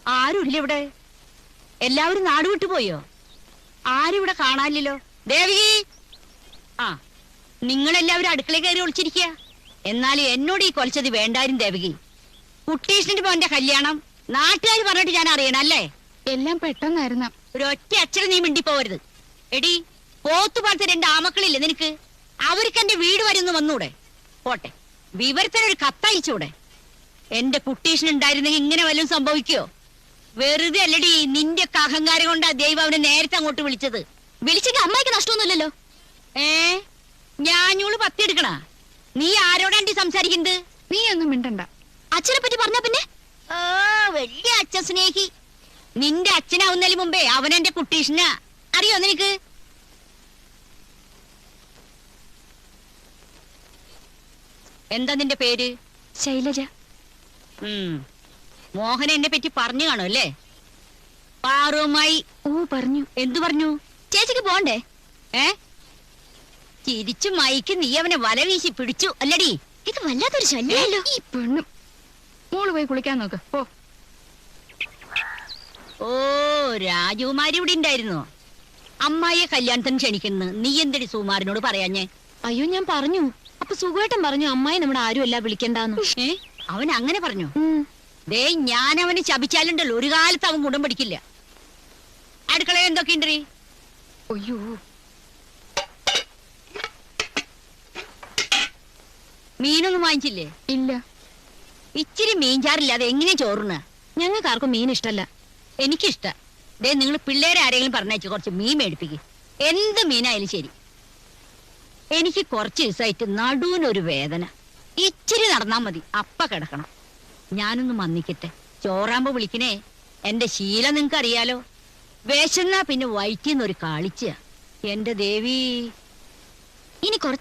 ആരുമില്ല ഇവിടെ. എല്ലാവരും നാട് വിട്ടുപോയോ? ആരും ഇവിടെ കാണാനില്ലല്ലോ. ദേവി, ആ, നിങ്ങളെല്ലാവരും അടുക്കളയിൽ കയറി ഒളിച്ചിരിക്കുക. എന്നാലും എന്നോട് ഈ കൊലച്ചത് വേണ്ടായിരുന്നു ദേവകി. കുട്ടീഷിന്റെ മോന്റെ കല്യാണം നാട്ടുകാർ പറഞ്ഞിട്ട് ഞാൻ അറിയണം അല്ലേ? എല്ലാം പെട്ടെന്നായിരുന്ന. ഒരൊറ്റ അച്ഛനെ നീ മിണ്ടിപ്പോവരുത്. എടി, പോത്തുപാലത്തെ 2 ആമക്കളില്ലേ നിനക്ക്? അവർക്ക് എന്റെ വീട് വരുന്നു വന്നൂടെ? പോട്ടെ, വിവരത്തിനൊരു കത്തയച്ചൂടെ? എന്റെ കുട്ടീഷനുണ്ടായിരുന്നെങ്കിൽ ഇങ്ങനെ വല്ലതും സംഭവിക്കോ? വെറുതെ അല്ലടി, നിന്റെ ഒക്കെ അഹങ്കാരം കൊണ്ടാ ദൈവം അവനെ നേരത്തെ അങ്ങോട്ട് വിളിച്ചത്. വിളിച്ചെങ്കിൽ അമ്മായിക്ക് നഷ്ടമൊന്നുമില്ലല്ലോ. ഞാനൂള് പത്തിയെടുക്കണ? നീ ആരോടാണ്ടി സംസാരിക്കുന്നത്? നീ ഒന്നും മിണ്ടണ്ട. അച്ഛനെ പറ്റി പറഞ്ഞ പിന്നെ വലിയ അച്ഛൻ സ്നേഹി. നിന്റെ അച്ഛനാവുന്നതിന് മുമ്പേ അവനെന്റെ കുട്ടീഷനാ. അറിയോ നിനക്ക്? എന്താ നിന്റെ പേര്? ശൈലജ. മോഹൻ എന്നെ പറ്റി പറഞ്ഞു കാണും അല്ലേ? പാറുമായി. ഓ, പറഞ്ഞു. എന്തു പറഞ്ഞു? ചേച്ചിക്ക് പോണ്ടേ? ചിരിച്ചു മൈക്ക് നീ അവനെ വല വീശി പിടിച്ചു അല്ലടി? ഇത് വല്ലാത്തൊരു ശല്യമല്ലോ. ഈ പെണ്ണും. മോള് പോയി കുളിക്കാൻ നോക്ക് പോ. ഓ, രാജകുമാരി ഇവിടെ ഉണ്ടായിരുന്നോ? അമ്മായിയെ കല്യാണത്തിന് ക്ഷണിക്കുന്നു. നീ എന്തടി സുകുമാരനോട് പറയാഞ്ഞേ? അയ്യോ, ഞാൻ പറഞ്ഞു. അപ്പൊ സുഖേട്ടൻ പറഞ്ഞു അമ്മായി നമ്മുടെ ആരും അല്ല വിളിക്കണ്ടെന്ന്. അവൻ അങ്ങനെ പറഞ്ഞു? ദേ, ഞാൻ അവന് ശപിച്ചാലുണ്ടല്ലോ ഒരു കാലത്ത് അവൻ ഗുണം പഠിക്കില്ല. അടുക്കളയിൽ എന്തൊക്കെയുണ്ടീ? അയ്യോ, മീനൊന്നും വാങ്ങിച്ചില്ലേ? ഇല്ല. ഇച്ചിരി മീൻചാറില്ലാതെ എങ്ങനെ ചോറുന്ന? ഞങ്ങൾക്ക് ആർക്കും മീൻ ഇഷ്ടല്ല. എനിക്കിഷ്ട. ദേ, നിങ്ങൾ പിള്ളേരെ ആരെങ്കിലും പറഞ്ഞയച്ചു കുറച്ച് മീൻ മേടിപ്പിക്കും. എന്ത് മീനായാലും ശരി. എനിക്ക് കുറച്ച് ദിവസമായിട്ട് നടുവിനൊരു വേദന. ഇച്ചിരി നടന്നാ മതി, അപ്പ കിടക്കണം. ഞാനൊന്ന് മന്നിക്കട്ടെ. ചോറാകുമ്പോ വിളിക്കണേ. എന്റെ ശീലം നിങ്ങക്ക് അറിയാലോ. വിശന്നാ പിന്നെ വയറ്റിന്നൊരു കാളിച്ച. എന്റെ ദേവി, ഇനി കുറച്ച്